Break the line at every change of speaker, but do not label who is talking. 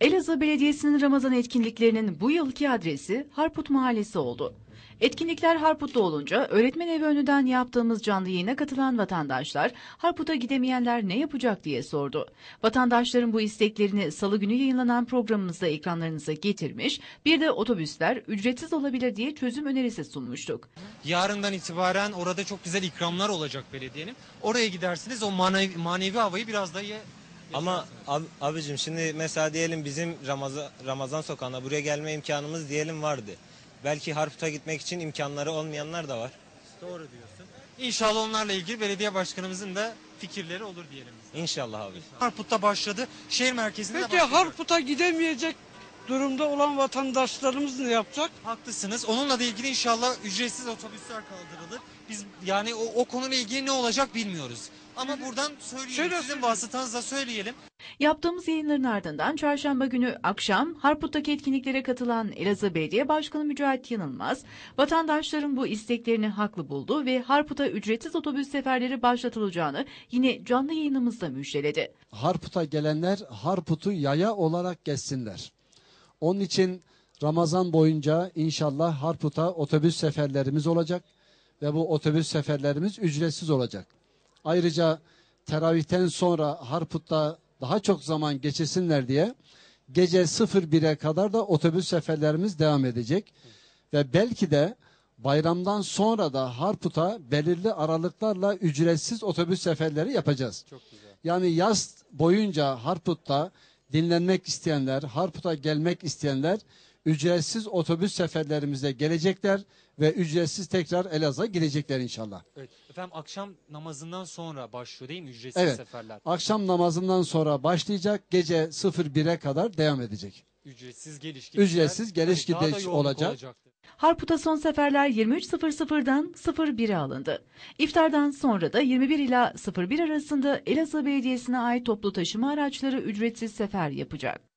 Elazığ Belediyesi'nin Ramazan etkinliklerinin bu yılki adresi Harput Mahallesi oldu. Etkinlikler Harput'ta olunca öğretmen evi önünden yaptığımız canlı yayına katılan vatandaşlar Harput'a gidemeyenler ne yapacak diye sordu. Vatandaşların bu isteklerini salı günü yayınlanan programımızda ekranlarınıza getirmiş, bir de otobüsler ücretsiz olabilir diye çözüm önerisi sunmuştuk.
Yarından itibaren orada çok güzel ikramlar olacak belediyenin. Oraya gidersiniz, o manevi havayı biraz daha iyi.
Ama abicim şimdi mesela diyelim bizim Ramazan sokağına buraya gelme imkanımız diyelim vardı. Belki Harput'a gitmek için imkanları olmayanlar da var.
Doğru diyorsun. İnşallah onlarla ilgili belediye başkanımızın da fikirleri olur diyelim.
İnşallah abi.
Harput'ta başladı. Şehir merkezinde
Peki
başlayacak.
Harput'a gidemeyecek durumda olan vatandaşlarımız ne yapacak?
Haklısınız. Onunla da ilgili inşallah ücretsiz otobüsler kaldırılır. Biz yani o konuyla ilgili ne olacak bilmiyoruz. Ama buradan söyleyelim, sizin vasıtanızla söyleyelim.
Yaptığımız yayınların ardından çarşamba günü akşam Harput'taki etkinliklere katılan Elazığ Belediye Başkanı Mücahit Yanılmaz, vatandaşların bu isteklerini haklı buldu ve Harput'a ücretsiz otobüs seferleri başlatılacağını yine canlı yayınımızda müjdeledi.
Harput'a gelenler Harput'u yaya olarak gezsinler. Onun için Ramazan boyunca inşallah Harput'a otobüs seferlerimiz olacak ve bu otobüs seferlerimiz ücretsiz olacak. Ayrıca teravihten sonra Harput'ta daha çok zaman geçirsinler diye gece 01'e kadar da otobüs seferlerimiz devam edecek. Ve belki de bayramdan sonra da Harput'a belirli aralıklarla ücretsiz otobüs seferleri yapacağız.
Çok güzel.
Yani yaz boyunca Harput'ta dinlenmek isteyenler, Harput'a gelmek isteyenler ücretsiz otobüs seferlerimize gelecekler ve ücretsiz tekrar Elazığ'a gidecekler inşallah.
Evet. Efendim akşam namazından sonra başlıyor değil mi ücretsiz
Evet.
seferler?
Akşam namazından sonra başlayacak, gece 01'e kadar devam edecek.
Ücretsiz geliş gidişler.
Ücretsiz geliş
Daha da
gidiş
yoğunluk
olacak.
olacaktır.
Harput'a son seferler 23.00'dan 01'e alındı. İftardan sonra da 21 ila 01 arasında Elazığ Belediyesi'ne ait toplu taşıma araçları ücretsiz sefer yapacak.